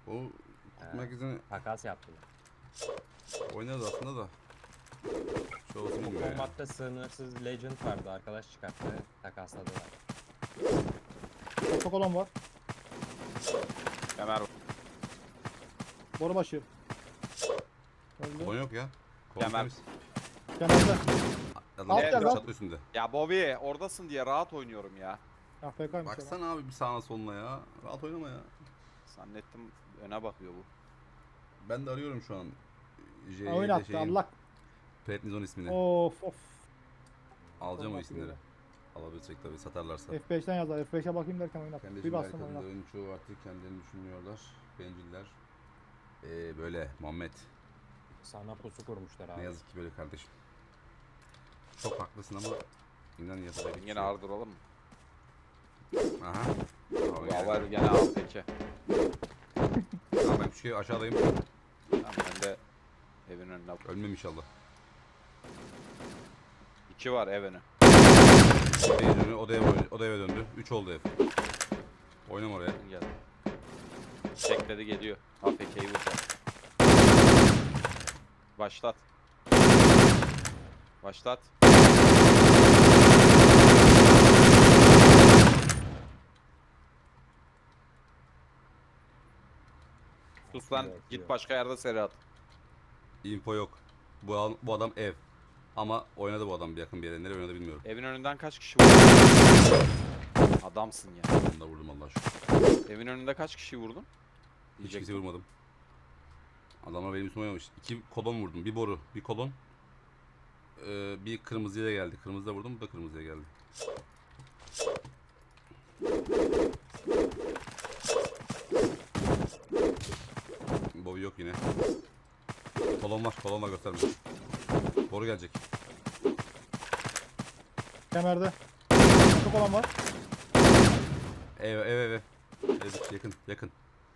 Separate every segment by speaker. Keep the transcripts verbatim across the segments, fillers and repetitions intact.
Speaker 1: O kutu merkezini
Speaker 2: Takas yaptılar.
Speaker 1: oynarız aslında da. Şu olsun bilmiyor ya.
Speaker 2: Kombatta sınırsız Legend vardı. Arkadaş çıkarttı. Takasladılar.
Speaker 3: Otokolon var.
Speaker 4: Kemer
Speaker 3: Borubaşı. Öldü.
Speaker 1: Kolon yok ya.
Speaker 4: Kemer.
Speaker 1: temiz.
Speaker 3: Kenarda.
Speaker 1: Adam
Speaker 3: Alt
Speaker 1: çatı
Speaker 3: gel lan.
Speaker 1: çatı üstünde.
Speaker 4: Ya Bobby oradasın diye rahat oynuyorum ya.
Speaker 3: A F K'ymış ya.
Speaker 1: Baksana abi bir sağına soluna ya. Rahat oynama ya.
Speaker 4: Zannettim öne bakıyor bu.
Speaker 1: Ben de arıyorum şu an. J'de
Speaker 3: Oynattı
Speaker 1: şeyin,
Speaker 3: Allah.
Speaker 1: Prednizon ismini.
Speaker 3: Of of.
Speaker 1: Alacağım o
Speaker 3: Oynattı
Speaker 1: isimleri.
Speaker 3: böyle.
Speaker 1: Alabilecek tabii satarlarsa.
Speaker 3: F beşten yazar. F beşe bakayım derken oynattı. Bir
Speaker 1: Kardeşim
Speaker 3: bastım
Speaker 1: belki
Speaker 3: oynattı.
Speaker 1: kadınların çoğu artık kendilerini düşünmüyorlar. Benciller. Ee, böyle Muhammed.
Speaker 2: Sana pusu kurmuşlar abi.
Speaker 1: Ne yazık ki böyle kardeşim. Çok haklısın ama inan yapacak bir şey
Speaker 4: Yine
Speaker 1: yok.
Speaker 4: ardıralım mı?
Speaker 1: Aha. Abi,
Speaker 4: Ya
Speaker 1: gel.
Speaker 4: var gene al peki.
Speaker 1: Tamam, ben küçük ev aşağıdayım.
Speaker 4: Tamam, ben de evin önüne bak.
Speaker 1: Ölmem inşallah.
Speaker 4: İki var ev önü.
Speaker 1: Odaya dönü, odaya, odaya eve döndü. Üç oldu ev. Oynam oraya.
Speaker 4: Gel. Tekledi geliyor. A F K'yi vuracak. Başlat. Başlat. Sus lan,
Speaker 2: Yok,
Speaker 4: git
Speaker 2: yok.
Speaker 4: başka yerde seri at.
Speaker 1: Info yok. Bu, al- bu adam ev. Ama oynadı bu adam bir yakın bir yere. Nereye oynadı bilmiyorum.
Speaker 4: Evin önünden kaç kişi vurdun? Adamsın ya.
Speaker 1: Onu da vurdum Allah aşkına.
Speaker 4: Evin önünde kaç kişi vurdun?
Speaker 1: Hiç
Speaker 4: Diyecektim.
Speaker 1: kimse vurmadım. Adamlar benim üstüme oynamış. İki kolon vurdum. Bir boru, bir kolon. Ee, bir kırmızıya geldi. Kırmızıda vurdum, bu da kırmızıya geldi. Bobby yok yine. Kolon var, kolon var göstermiyor. Boru gelecek.
Speaker 3: Kemerde. Otokolon var.
Speaker 1: Ev, ev, ev, ev. Ev, yakın, yakın.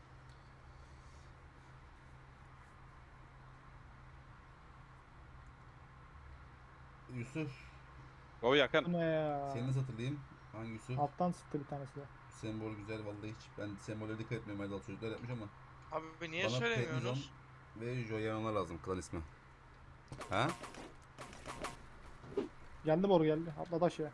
Speaker 1: Yusuf,
Speaker 4: O yakın.
Speaker 3: Bu ne ya?
Speaker 1: seni nasıl hatırlayayım? Hangi Yusuf?
Speaker 3: Alttan sıktı bir tanesi de.
Speaker 1: Sembol güzel vallahi hiç. Ben sembollere dikkat etmiyorum. Erdal çocuklar yapmış ama.
Speaker 5: Abi niye
Speaker 1: Bana
Speaker 5: söylemiyorsunuz?
Speaker 1: Prednizon ve Joyan'a lazım klan ismi. Ha?
Speaker 3: Geldi boru geldi. Atladı aşağıya.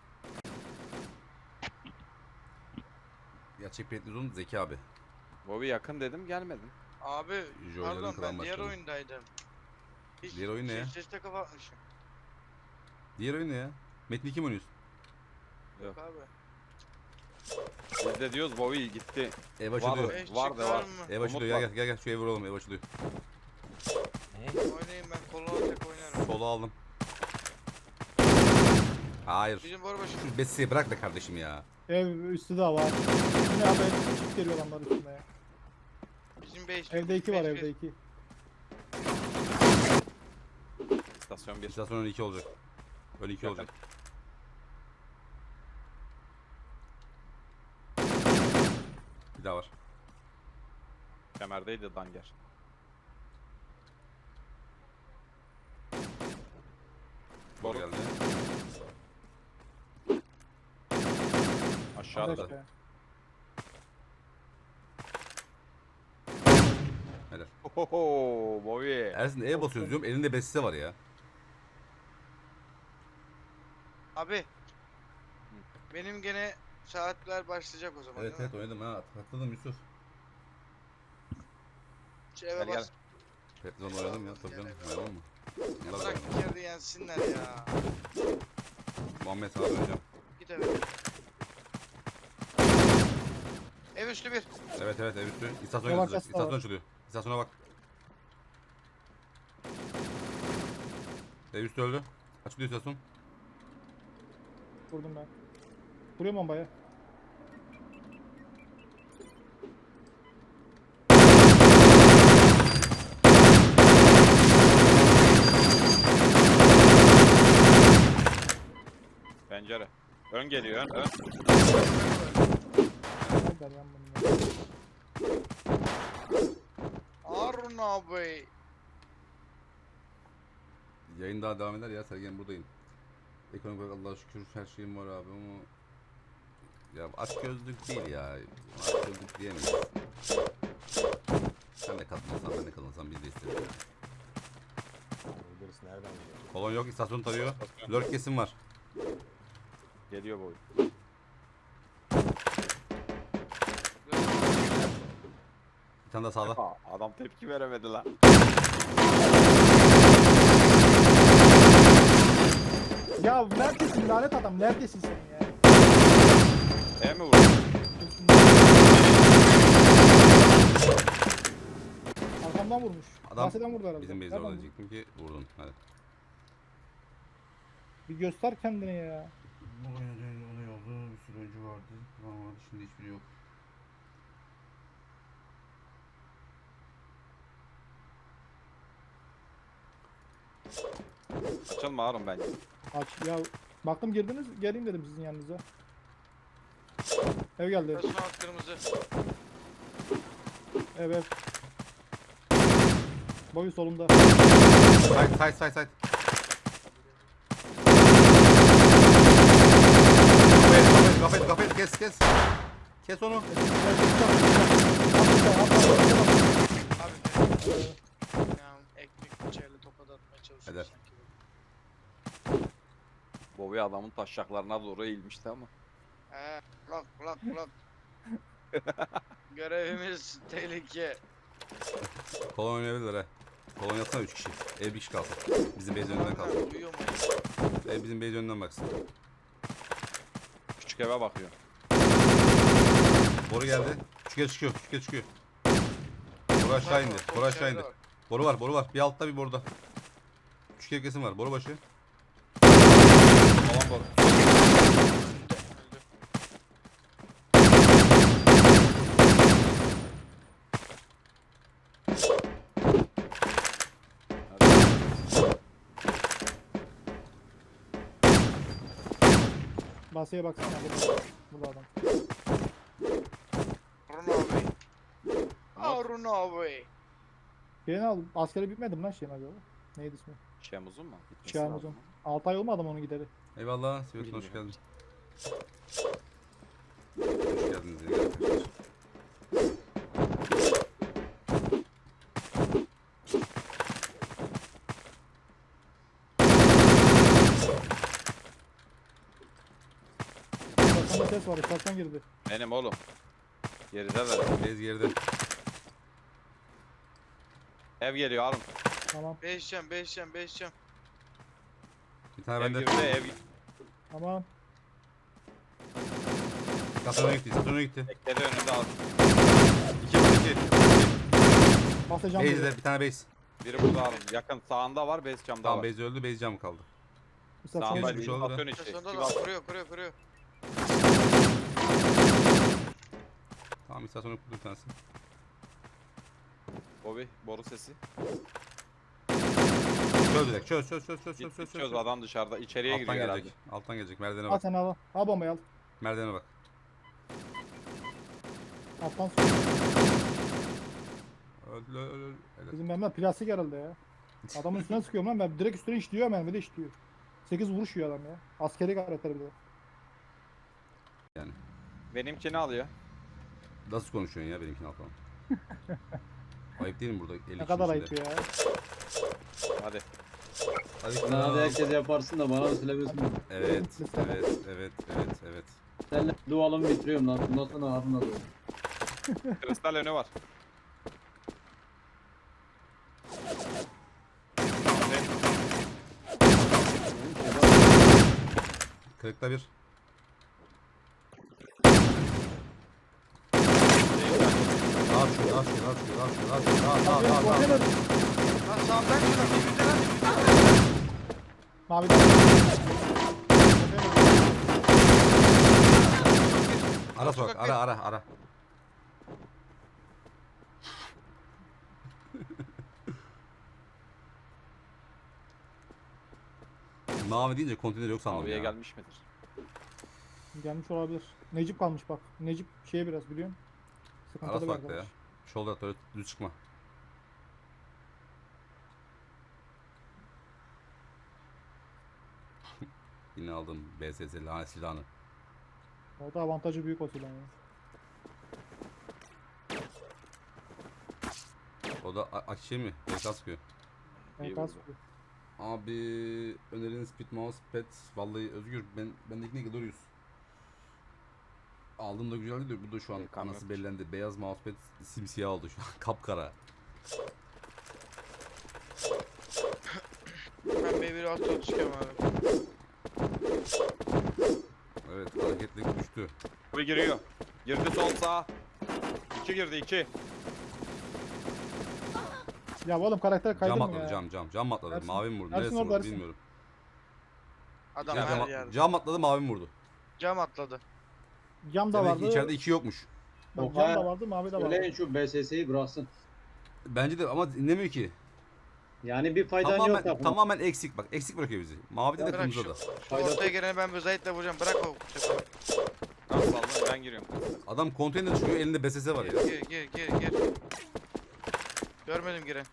Speaker 1: Gerçek Prednizon Zeki abi.
Speaker 4: Bobby yakın dedim gelmedin.
Speaker 5: Abi
Speaker 1: Joy'ların
Speaker 5: pardon
Speaker 1: klan
Speaker 5: ben diğer
Speaker 1: başkanı.
Speaker 5: oyundaydım. Hiç
Speaker 1: Diğer oyun ne ya?
Speaker 5: Sesle kapatmışım.
Speaker 1: Diğer oyun ne ya? Metin iki mi oynuyorsun?
Speaker 5: Yok abi.
Speaker 4: Biz de diyoruz Bobby gitti.
Speaker 1: Ev
Speaker 4: Var
Speaker 1: açılıyor.
Speaker 4: mı?
Speaker 5: Beş
Speaker 4: Var da
Speaker 5: çıkar
Speaker 4: var.
Speaker 5: mı?
Speaker 1: Ev
Speaker 4: Umut
Speaker 1: açılıyor. Gel
Speaker 4: var.
Speaker 1: gel gel gel şu evi vuralım. Ev açılıyor.
Speaker 2: Ne?
Speaker 5: Oynayayım ben koluna tek oynarım.
Speaker 1: Solu aldım. Hayır.
Speaker 5: Bizim boru başı.
Speaker 1: Şu Bessi'yi bırak be kardeşim ya.
Speaker 3: Ev üstü de var. Bu ne abi? Çift geliyor adamlar üstüne ya.
Speaker 5: Bizim base.
Speaker 3: Evde iki var
Speaker 5: base
Speaker 3: evde
Speaker 5: bir.
Speaker 3: iki.
Speaker 4: İstasyon bir.
Speaker 1: İstasyonun iki olacak. Öyle iki
Speaker 4: Yakın.
Speaker 1: olacak. Bir daha var.
Speaker 4: Kemerdeydi Danger.
Speaker 1: Boru
Speaker 4: Boru
Speaker 1: geldi.
Speaker 4: aşağıda.
Speaker 3: Hadi
Speaker 4: da.
Speaker 3: aşağıya.
Speaker 1: Helal.
Speaker 4: Ohoho Bobby.
Speaker 1: Ersin E basıyoruz diyorum. Elinde Bessi var ya.
Speaker 5: Abi. Benim gene saatler başlayacak o zaman
Speaker 1: Evet
Speaker 5: değil
Speaker 1: evet oynadım ha. Hatırladım Yusuf.
Speaker 5: mi? Şu eve
Speaker 4: Gel, gel.
Speaker 5: bas.
Speaker 1: Petron oynadım ya. Tabii canım. Oynadın mı?
Speaker 5: Ya
Speaker 1: Nasıl
Speaker 5: bırak
Speaker 1: oynadın?
Speaker 5: bir kere de yensinler ya.
Speaker 1: Muhammed abi hocam.
Speaker 5: Git eve. Ev üstü bir.
Speaker 1: Evet evet ev üstü. İstasyon
Speaker 3: Yavaş
Speaker 1: yazacak.
Speaker 3: yasla
Speaker 1: İstasyon
Speaker 3: var.
Speaker 1: açılıyor. İstasyona bak. Ev üstü öldü. Açılıyor istasyon.
Speaker 3: Vurdum ben. Vuruyorum bombayı.
Speaker 4: Pencere. Ön geliyor ön ön.
Speaker 3: Nereden yan bunu?
Speaker 5: Harun abi.
Speaker 1: Yayın daha devam eder ya. Sergen buradayım. Ekonomik olarak Allah'a şükür her şeyim var abi ama ya aç gözlük değil ya. Aç gözlük diyemeyiz. Kolon yok, istasyon tarıyor. Lurk kesim var.
Speaker 4: Geliyor boy.
Speaker 1: Bir tane daha sağda.
Speaker 4: Aa, adam tepki veremedi lan.
Speaker 3: Ya neredesin lanet adam? Neredesin sen ya?
Speaker 4: E mi vurdu?
Speaker 3: Arkamdan vurmuş.
Speaker 1: Adam
Speaker 3: Bahseden vurdu herhalde.
Speaker 1: bizim base'e
Speaker 3: Nereden
Speaker 1: orada
Speaker 3: vurdu?
Speaker 1: diyecektim ki vurdun. Hadi.
Speaker 3: Bir göster kendini ya.
Speaker 1: Bu oyunda olay oldu. Bir sürü oyuncu vardı. Tamam vardı. Şimdi hiçbiri yok.
Speaker 4: Açılma Harun bence.
Speaker 3: Aç ya. Baktım girdiniz. Geleyim dedim sizin yanınıza. Ev geldi.
Speaker 5: Resmen kırmızı.
Speaker 3: Ev ev. Boyu solunda.
Speaker 1: Side side side side. Kafayı kafayı kafayı kes kes. Kes onu.
Speaker 5: Abi ya ekmek bıçağıyla tokat atmaya çalışıyor
Speaker 1: Eder.
Speaker 5: sanki.
Speaker 4: Bobby adamın taşacaklarına doğru eğilmişti ama.
Speaker 5: He, lak lak lak. Görevimiz tehlike.
Speaker 1: Kolon oynayabilirler he. Kolon yapsana üç kişi. Ev bir kişi kalsın. Bizim base önünden kalsın.
Speaker 5: Uyuyor mu?
Speaker 1: Ev bizim base önünden baksın.
Speaker 4: Küçük eve bakıyor.
Speaker 1: Boru geldi. Küçüke çıkıyor. Küçüke çıkıyor. Boru aşağı indi. Boru aşağı indi. Boru var. Boru var. Bir altta bir boruda. Küçük ev kesim var. Boru başı.
Speaker 4: Falan boru.
Speaker 3: Basaya baksana. Burada, burada adam.
Speaker 5: Harun abi. Harun abi.
Speaker 3: Şeyini al. Askeri bitmedi mi lan şeyin acaba? Neydi ismi?
Speaker 4: Şemuz'un mu? Gitmesi
Speaker 3: Şahmuz'un.
Speaker 4: lazım.
Speaker 3: altı ay olmadı mı onu gideri?
Speaker 1: Eyvallah. Sivas'ın hoş
Speaker 4: Bilmiyorum.
Speaker 1: geldin. Hoş geldiniz yine arkadaşlar.
Speaker 3: İstasyonda ses var. İstasyon girdi.
Speaker 4: Benim oğlum. Geride ver.
Speaker 1: Base geride.
Speaker 4: Ev geliyor Harun.
Speaker 3: Tamam.
Speaker 5: beş can beş can beş can.
Speaker 1: Bir tane
Speaker 4: Ev
Speaker 1: bende.
Speaker 4: girdi ev.
Speaker 3: Tamam.
Speaker 1: İstasyona gitti. İstasyona gitti.
Speaker 4: Bekledi önünde Harun.
Speaker 1: İki iki.
Speaker 3: Basacağım.
Speaker 1: Base'de bir tane base.
Speaker 4: Biri burada Harun. Yakın sağında var, base camda
Speaker 1: Tamam
Speaker 4: var.
Speaker 1: base öldü. Base cam kaldı.
Speaker 3: İstasyona
Speaker 4: Sağında
Speaker 1: Geçmiş
Speaker 4: bir
Speaker 1: oldu da.
Speaker 4: istasyon içi.
Speaker 5: Sonunda
Speaker 4: Sivas.
Speaker 5: da kuruyor kuruyor kuruyor.
Speaker 1: Tamam istasyona kurdu bir tanesi.
Speaker 4: Bobby, boru sesi.
Speaker 1: Çöz direkt. Çöz çöz çöz çöz çöz
Speaker 4: Git
Speaker 1: çöz.
Speaker 4: git çöz, adam dışarıda. İçeriye
Speaker 1: Alttan
Speaker 4: giriyor
Speaker 1: gelecek.
Speaker 4: herhalde.
Speaker 1: Alttan gelecek. Merdivene
Speaker 3: Al
Speaker 1: bak.
Speaker 3: sen al. Al bombayı al.
Speaker 1: Merdivene bak.
Speaker 3: Alttan sonra.
Speaker 1: Öldü öldü öldü. Evet.
Speaker 3: Bizim mermiler plastik herhalde ya. Adamın üstüne sıkıyorum lan ben. Direkt üstüne işliyor mermi de işliyor. sekiz vuruş yiyor adam ya. Askeri gayretleri bir de.
Speaker 4: Benimkini alıyor.
Speaker 1: Nasıl konuşuyorsun ya benimkini al falan. Ayıp değil mi burada elli
Speaker 3: Ne kadar ayıp
Speaker 1: kişinin
Speaker 3: ya.
Speaker 4: Hadi.
Speaker 1: içinde? Hadi
Speaker 6: Sen
Speaker 1: kral.
Speaker 6: hadi herkes yaparsın da bana da söylemesin.
Speaker 1: Evet, evet, evet, evet, evet.
Speaker 6: Senle dualımı bitiriyorum lan. Bundan sonra Harun'la da.
Speaker 4: Kristal önü var.
Speaker 1: Kırıkta bir. Rahat şuraya, rahat şuraya, rahat şuraya, rahat şuraya, rahat şuraya, rahat, rahat, rahat, rahat, rahat.
Speaker 5: Lan sağdan şuna dibinde lan dibinde.
Speaker 3: Maviden.
Speaker 1: Ara sokak, ara, ara, ara. Mavi deyince konteyner yok sandım
Speaker 4: Maviye
Speaker 1: ya.
Speaker 4: gelmiş midir?
Speaker 3: Gelmiş olabilir. Necip kalmış bak. Necip şeye biraz biliyorsun.
Speaker 1: Ara
Speaker 3: Sıkıntılı bir
Speaker 1: sokakta ya.
Speaker 3: arkadaş.
Speaker 1: Shoulder at öyle düz çıkma. Yine aldım B S S lanet silahını.
Speaker 3: O da avantajı büyük o silahın ya.
Speaker 1: O da a- a- şey mi? B K sıkıyor.
Speaker 3: Yani
Speaker 4: İyi
Speaker 3: kas-
Speaker 4: vurdu.
Speaker 1: Abi öneriniz Speed Mousepad. Vallahi Özgür ben bendeki ne Glorious. Aldığımda güzeldi de bu da şu an
Speaker 4: Reklam
Speaker 1: anası
Speaker 4: yok.
Speaker 1: bellendi. Beyaz mousepad simsiyah oldu şu an. Kapkara.
Speaker 5: Ben B bir altı otuz çıkıyorum abi.
Speaker 1: Evet hareketlilik düştü.
Speaker 4: Bir giriyor. Girdi sol sağ. iki girdi iki.
Speaker 3: Ya oğlum karakter kaydı
Speaker 1: Cam
Speaker 3: mı
Speaker 1: atladı
Speaker 3: ya?
Speaker 1: cam cam. Cam atladı.
Speaker 3: Ersin-
Speaker 1: Mavi mi vurdu?
Speaker 3: Ersin
Speaker 1: Neresi
Speaker 3: orada,
Speaker 1: vurdu
Speaker 3: Ersin.
Speaker 1: bilmiyorum.
Speaker 5: Adam
Speaker 1: Ya,
Speaker 5: her
Speaker 1: cam,
Speaker 5: yerde.
Speaker 1: cam atladı mavi mi vurdu?
Speaker 5: Cam atladı.
Speaker 3: Cam da
Speaker 1: Demek ki
Speaker 3: vardı.
Speaker 1: içeride iki yokmuş.
Speaker 3: Bak,
Speaker 6: Yok,
Speaker 3: cam
Speaker 6: hayır.
Speaker 3: da vardı, mavi de vardı.
Speaker 6: Söyleyin şu B S S'yi bıraksın.
Speaker 1: Bence de ama dinlemiyor ki.
Speaker 6: Yani bir faydan yok
Speaker 1: Tamamen,
Speaker 6: takımın.
Speaker 1: tamamen eksik bak. Eksik bırakıyor bizi. Mavide de
Speaker 5: Bırak
Speaker 1: kırmızıda
Speaker 5: şu,
Speaker 1: da.
Speaker 5: şu
Speaker 6: Faydası-
Speaker 5: ortaya geleni ben bir Zahit'le vuracağım. Bırak o sefer.
Speaker 4: Tamam saldım ben giriyorum.
Speaker 1: Adam konteyner çıkıyor elinde B S S var ya.
Speaker 5: Gir gir gir gir. Görmedim giren.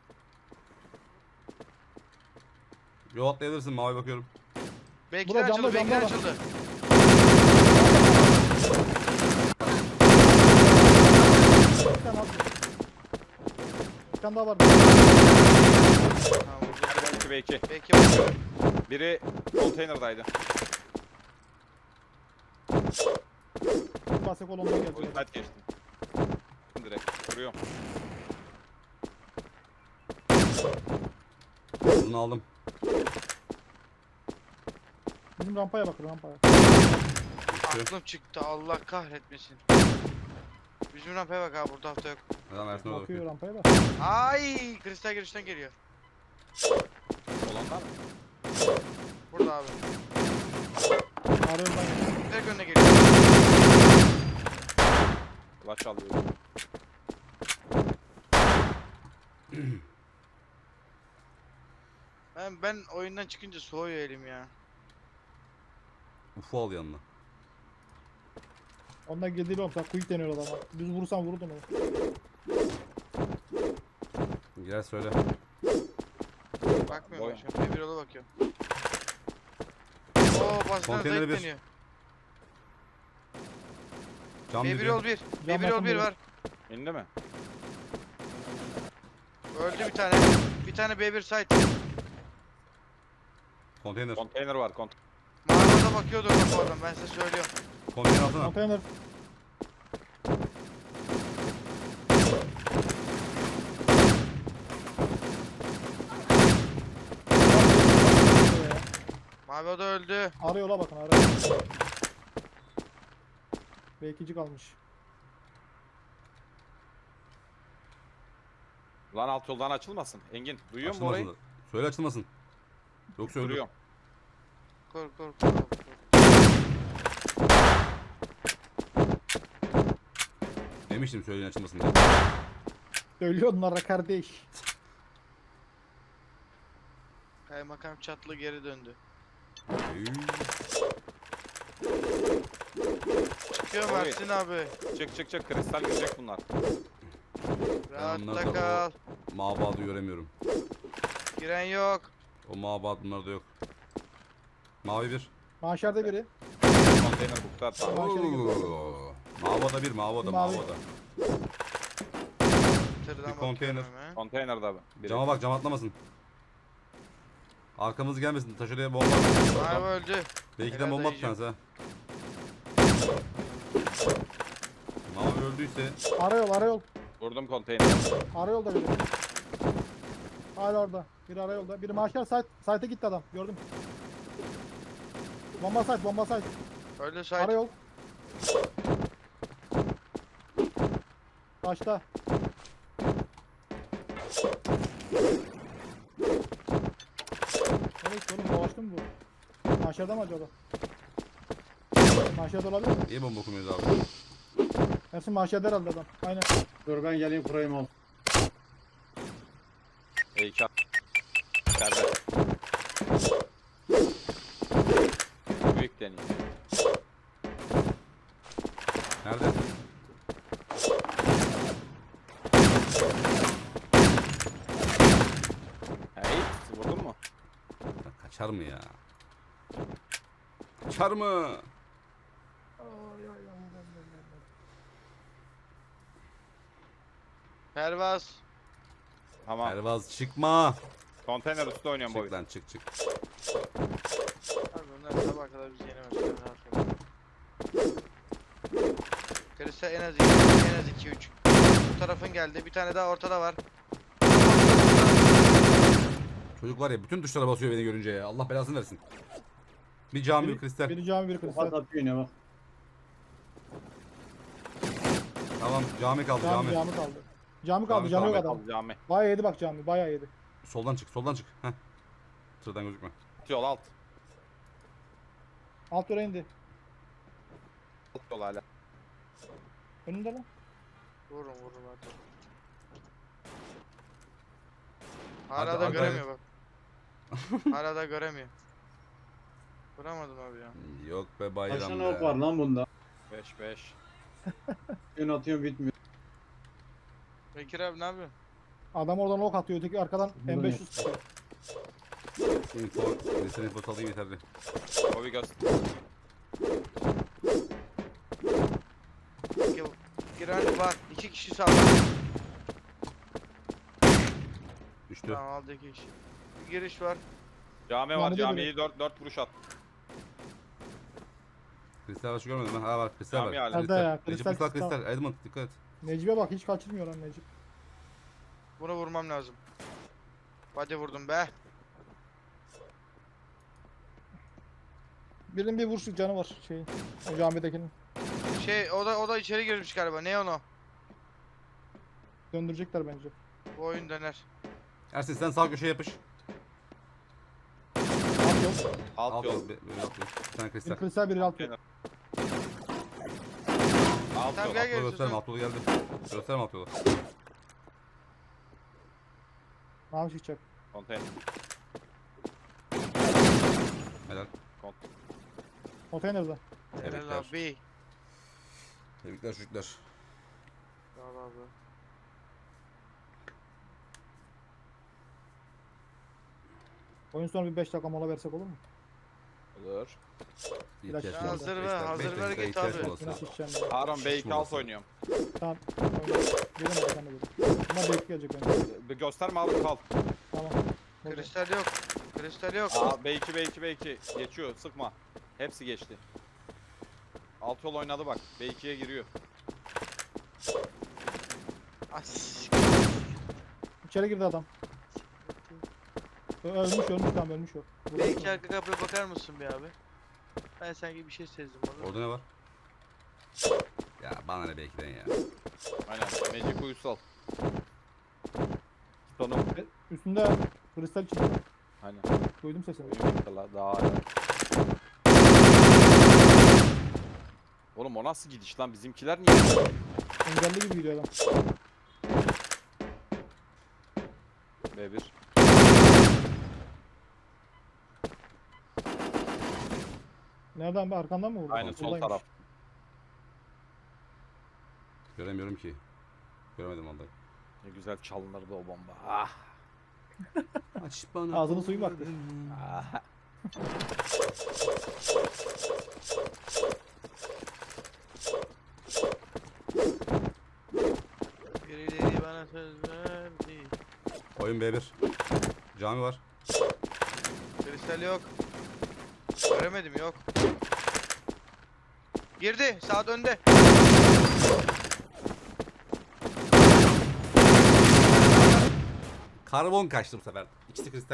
Speaker 1: Yol atlayabilirsin mavi bakıyorum.
Speaker 5: Belki
Speaker 3: Bura
Speaker 5: açıldı,
Speaker 3: camda,
Speaker 5: belki
Speaker 3: camda
Speaker 5: açıldı.
Speaker 3: Bir tane aldım. Bir tane daha vardı.
Speaker 5: Tamam vurdu.
Speaker 4: iki ve iki.
Speaker 5: Belki bakıyorum.
Speaker 4: Biri konteynerdaydı.
Speaker 3: Basek olondan geldi.
Speaker 4: O saat geçtim. Direkt vuruyorum.
Speaker 1: Bunu aldım.
Speaker 3: Bizim rampaya bakın, rampaya.
Speaker 1: Düştü.
Speaker 5: Aklım çıktı. Allah kahretmesin. Bizim rampaya bak abi, burada hafta yok.
Speaker 1: Neden Ersin orada
Speaker 3: Bakıyor
Speaker 1: bakıyor.
Speaker 3: rampaya da.
Speaker 5: Ay, kristal girişten geliyor.
Speaker 4: Olanlar mı?
Speaker 5: Burada abi.
Speaker 3: Ağrı yoldan geldi.
Speaker 5: Direkt önüne geliyor.
Speaker 4: Kulaç alıyor.
Speaker 5: Ben, ben oyundan çıkınca soğuyor elim ya.
Speaker 1: Ufu al yanına.
Speaker 3: Ondan geldiği olsa quick deniyor adama. Düz vurursan vururdun onu.
Speaker 1: Gel söyle.
Speaker 5: Bakmıyorum
Speaker 4: Boy-
Speaker 5: ben şu an. Bir yola bakıyorum. Oo, basına
Speaker 1: Konteyneri
Speaker 5: Zahit
Speaker 1: bir.
Speaker 5: deniyor.
Speaker 1: Cam
Speaker 5: B bir
Speaker 1: dibi.
Speaker 5: yol bir.
Speaker 3: Cam
Speaker 5: B bir yol
Speaker 3: yakın
Speaker 5: bir
Speaker 3: biri.
Speaker 5: var.
Speaker 4: İndi mi?
Speaker 5: Öldü bir tane. Bir tane B bir site.
Speaker 1: Konteyner.
Speaker 4: Konteyner var. Kont
Speaker 5: Mağarada bakıyordur bak oradan, ben size söylüyorum.
Speaker 1: Konteyner altına.
Speaker 3: Konteyner.
Speaker 5: Mavi o da öldü.
Speaker 3: Ara yola bakın, ara yola. B ikici kalmış.
Speaker 4: Lan alt yoldan açılmasın. Engin duyuyor musun orayı?
Speaker 1: Açılmasın. Söyle açılmasın. Yoksa öldür.
Speaker 4: Duruyorum.
Speaker 5: Kor kor kor. kor.
Speaker 1: Demiştim söyleyin açılmasın diye.
Speaker 3: Söylüyor onlara kardeş.
Speaker 5: Kaymakam çatlı geri döndü.
Speaker 1: Üy.
Speaker 5: Çıkıyor
Speaker 4: Orayı.
Speaker 5: Mersin abi.
Speaker 4: Çık çık çık. Kristal girecek bunlar.
Speaker 5: Rahatta
Speaker 1: onlarda
Speaker 5: kal.
Speaker 1: Mabadı göremiyorum.
Speaker 5: Giren yok.
Speaker 1: O mabad bunlarda yok. Mavi bir.
Speaker 3: Mahşerde biri.
Speaker 4: Konteyner bukta. Tamam.
Speaker 3: Mahşere girdi.
Speaker 1: Oo. Mavada bir, mavada,
Speaker 3: Mavi.
Speaker 1: mavada.
Speaker 5: Tırdan
Speaker 1: Bir konteyner.
Speaker 5: bakıyorum hemen.
Speaker 4: Konteyner abi. Biri.
Speaker 1: Cama bak, cam atlamasın. Arkamız gelmesin. Taş oraya bomba.
Speaker 5: Mavi öldü.
Speaker 1: Belki de
Speaker 5: Helal
Speaker 1: bomba
Speaker 5: dayıcım.
Speaker 1: atacağız ha. Mavi öldüyse
Speaker 3: Ara yol, ara yol.
Speaker 4: Vurdum konteyner.
Speaker 3: Ara yolda biri. Hala orada. Biri ara yolda. Biri mahşer site. Site'e gitti adam. Gördüm. Bomba site, bomba site.
Speaker 5: Öldü
Speaker 3: Ara
Speaker 5: site.
Speaker 3: yol. Taşta. Nereye gitti oğlum? Dolaştı mı bu? Mahşerde mi acaba? Mahşerde olabilir mi?
Speaker 1: iyi bomba okumuyoruz abi.
Speaker 3: Ersin mahşerde herhalde adam. Aynen.
Speaker 6: Dur ben geleyim kurayım al.
Speaker 4: E iki. İçeride. Büyük deniyor.
Speaker 1: Nerede?
Speaker 4: Hey, vurdun mu?
Speaker 1: Ya kaçar mı ya? Kaçar mı?
Speaker 5: Pervaz.
Speaker 4: Tamam.
Speaker 1: Pervaz çıkma.
Speaker 4: Konteyner üstü oynuyorum
Speaker 1: Çık
Speaker 4: Bobby.
Speaker 1: lan çık çık.
Speaker 5: Abi onlar sabaha kadar bizi yenemezler. rahat ol. Kristal en az iki, en az iki üç. Bu tarafın geldi. Bir tane daha ortada var.
Speaker 1: Çocuk var ya bütün tuşlara basıyor beni görünce ya. Allah belasını versin. Bir cami bir kristal.
Speaker 3: Biri cami biri
Speaker 6: Kafa
Speaker 3: kristal.
Speaker 6: tapıyor yine bak.
Speaker 1: Tamam cami kaldı
Speaker 3: Cami,
Speaker 1: cami.
Speaker 3: cami kaldı. Cami kaldı,
Speaker 1: Cami
Speaker 3: cami yok
Speaker 1: kaldı.
Speaker 3: adam.
Speaker 4: Al cami.
Speaker 3: Bayağı yedi bak cami, bayağı yedi.
Speaker 1: Soldan çık soldan çık. Heh. Tırdan gözükme.
Speaker 4: Alt yol alt.
Speaker 3: Alt yere indi.
Speaker 4: Alt yol hala.
Speaker 3: Önünde lan.
Speaker 5: Vurun vurun hadi. Hala
Speaker 1: Hadi,
Speaker 5: da
Speaker 1: hadi,
Speaker 5: göremiyor bak. Hala da göremiyor. Vuramadım abi ya.
Speaker 1: Yok be
Speaker 6: Kaç
Speaker 1: bayram
Speaker 6: tane
Speaker 1: be.
Speaker 6: ok var lan bunda?
Speaker 4: beş beş.
Speaker 6: Ön atıyorum bitmiyor.
Speaker 5: Bekir abi ne yapıyorsun?
Speaker 3: Adam oradan ok atıyor, öteki arkadan
Speaker 6: Buradan
Speaker 3: M beş yüz tutuyor.
Speaker 1: Info. Kristal info alayım yeterli.
Speaker 4: Bobby göster.
Speaker 5: Gir, gir hadi var. İki kişi sağda.
Speaker 1: Düştü.
Speaker 5: Tamam aldı iki kişi. Bir giriş var.
Speaker 4: Cami var.
Speaker 3: Cami de
Speaker 4: Camiyi dört dört vuruş at.
Speaker 1: Kristal başı görmedim ben. Ha var kristal
Speaker 4: Cami
Speaker 1: var.
Speaker 4: hala.
Speaker 3: Nerede ya?
Speaker 1: Recep
Speaker 3: Kristal,
Speaker 1: kristal
Speaker 3: kristal.
Speaker 1: kristal. Edmund dikkat et.
Speaker 3: Necip'e bak, hiç kaçırmıyor lan Necip.
Speaker 5: Bunu vurmam lazım. Hadi vurdum be.
Speaker 3: Birinin bir vuruşluk canı var şeyin. O camidekinin.
Speaker 5: Şey o da o da içeri girmiş galiba. Ne onu?
Speaker 3: Döndürecekler bence.
Speaker 5: Bu oyun döner.
Speaker 1: Ersin sen sağ köşeye yapış.
Speaker 3: Alt yol.
Speaker 4: Alt,
Speaker 1: Alt
Speaker 4: yol.
Speaker 1: yol. be- Böyle alt yol. Bir tane kristal.
Speaker 3: Bir kristal, biri alt yol.
Speaker 4: Alt
Speaker 5: Tamam,
Speaker 4: yol.
Speaker 5: gel.
Speaker 1: Alt yolu gösterme
Speaker 5: sen.
Speaker 1: alt yolu geldi. Gösterme alt yolu.
Speaker 3: Mavi çıkacak.
Speaker 4: Konteyner.
Speaker 1: Helal.
Speaker 3: Konteynerde.
Speaker 5: Helal
Speaker 1: Tebrikler.
Speaker 5: abi.
Speaker 1: Tebrikler çocuklar.
Speaker 5: Sağ ol abi.
Speaker 3: Oyun sonu bir beş dakika mola versek olur mu?
Speaker 4: Olur.
Speaker 1: İhtiyaç
Speaker 3: Ya
Speaker 1: molası.
Speaker 5: hazır
Speaker 1: Beş
Speaker 5: ver,
Speaker 1: dakika-
Speaker 5: hazır
Speaker 1: beş
Speaker 5: ver
Speaker 1: dakika
Speaker 5: git
Speaker 1: ihtiyaç
Speaker 5: abi.
Speaker 1: molası.
Speaker 3: Yine şişeceğim ya.
Speaker 4: Harun B iki alt
Speaker 1: Molası.
Speaker 4: oynuyorum.
Speaker 3: Tamam. Oyna. Gelemedi sen de böyle. Bunlar bekleyecek bence.
Speaker 4: Bir gösterme abi kal.
Speaker 3: Tamam. Oldu.
Speaker 5: Kristal yok. Kristal yok.
Speaker 4: Aa B iki B iki B iki. Geçiyor sıkma. Hepsi geçti. Alt yol oynadı bak. B ikiye giriyor.
Speaker 5: As.
Speaker 3: İçeri girdi adam. Ö- Ölmüş ölmüş tamam ölmüş o. Vurdu.
Speaker 5: Belki arka kapıya bakar mısın bir abi? Ben sanki bir şey sezdim orada.
Speaker 1: Orada ne var? Ya bana ne belki ya.
Speaker 4: Aynen. Magic Uysal. Tonum.
Speaker 3: Üstünde kristal içinde.
Speaker 4: Aynen.
Speaker 3: Duydum sesini.
Speaker 4: Oyun bitti la, daha hala. Oğlum o nasıl gidiş lan? Bizimkiler niye?
Speaker 3: Engelli gibi gidiyor adam.
Speaker 4: B bir.
Speaker 3: Nereden be, arkandan mı vurdu?
Speaker 4: Aynen sol
Speaker 3: Buradaymış.
Speaker 4: taraf.
Speaker 1: Göremiyorum ki. Göremedim vallahi.
Speaker 4: Ne güzel çalınırdı o bomba. Ah.
Speaker 1: Aç bana.
Speaker 3: Ağzının suyu baktı.
Speaker 4: Ah.
Speaker 5: Birileri bana söz verdi.
Speaker 1: Oyun B bir. Cami var.
Speaker 5: Kristal yok. Göremedim yok. Girdi. Saat önde.
Speaker 1: Karbon kaçtı bu sefer. İkisi kristal.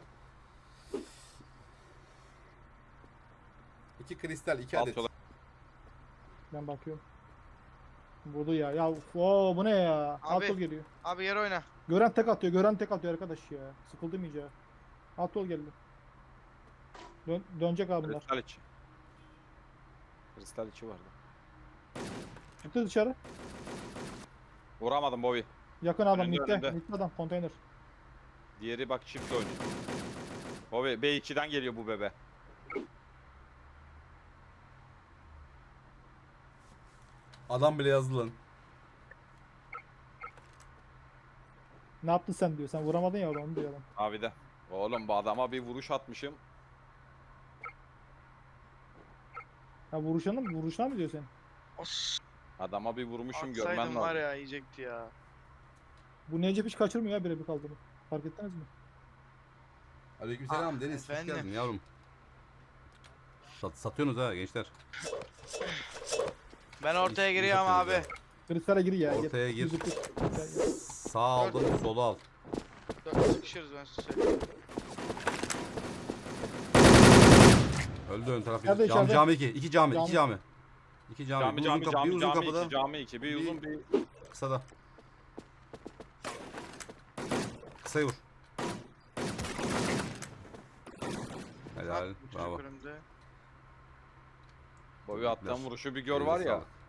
Speaker 1: İki kristal, iki
Speaker 4: Alt
Speaker 1: adet.
Speaker 4: yola.
Speaker 3: Ben bakıyorum. Vurdu ya. Ya oo, bu ne ya? Alt
Speaker 5: Abi.
Speaker 3: yol geliyor.
Speaker 5: Abi yer oyna.
Speaker 3: Gören tek atıyor. Gören tek atıyor arkadaş ya. Sıkıldım iyice. Alt yol geldi. Dön dönecek abi bunlar.
Speaker 4: Kristal içi. Kristal içi vardı.
Speaker 3: Çıktı dışarı.
Speaker 4: Vuramadım Bobby.
Speaker 3: Yakın adam.
Speaker 4: Önünde,
Speaker 3: Mitte.
Speaker 4: önünde.
Speaker 3: Mitte adam. Konteyner.
Speaker 4: Diğeri bak çift oynuyor. Bobby B iki'den geliyor bu bebe.
Speaker 1: Adam bile yazdı lan.
Speaker 3: Ne yaptın sen diyor. Sen vuramadın ya onu diyor adam.
Speaker 4: Abi de. Oğlum bu adama bir vuruş atmışım.
Speaker 3: Ha vuruşana mı? Vuruşuna mı diyor sen?
Speaker 5: Os.
Speaker 4: Adama bir vurmuşum görmen
Speaker 5: Atsaydım
Speaker 4: lazım.
Speaker 5: var ya yiyecekti ya.
Speaker 3: Bu Necip hiç kaçırmıyor ya birebir kaldığını. Fark ettiniz mi?
Speaker 1: Aleykümselam
Speaker 5: Ah,
Speaker 1: Deniz. Hoş
Speaker 5: efendim.
Speaker 1: geldin yavrum. Sat, satıyorsunuz ha gençler.
Speaker 5: Ben ortaya
Speaker 1: İyi- iyi
Speaker 5: giriyorum abi.
Speaker 1: satıyorsunuz
Speaker 3: Kristale gir ya.
Speaker 1: Ortaya gir.
Speaker 3: Yüzü kır. Gel, gel.
Speaker 1: Sağ aldın, solu al.
Speaker 5: Dört sıkışırız ben size söyleyeyim.
Speaker 1: Öldü ön taraf.
Speaker 3: İçeride,
Speaker 1: Cami,
Speaker 3: içeride.
Speaker 1: cami iki. İki cami,
Speaker 3: Cami.
Speaker 1: iki cami. İki cami.
Speaker 4: Cami
Speaker 1: bir uzun
Speaker 4: cami
Speaker 1: kapı, bir
Speaker 4: cami
Speaker 1: uzun
Speaker 4: cami
Speaker 1: kapıda.
Speaker 4: iki cami iki. Bir
Speaker 1: Bir-
Speaker 4: uzun bir
Speaker 1: Kısa da. Kısayı vur. Helal.
Speaker 5: Bak, bu çocuk
Speaker 1: Bravo.
Speaker 5: önümde.
Speaker 4: boyu attan
Speaker 1: Tebrikler.
Speaker 4: vuruşu bir gör
Speaker 1: Elinize
Speaker 4: var ya.
Speaker 1: sağlık.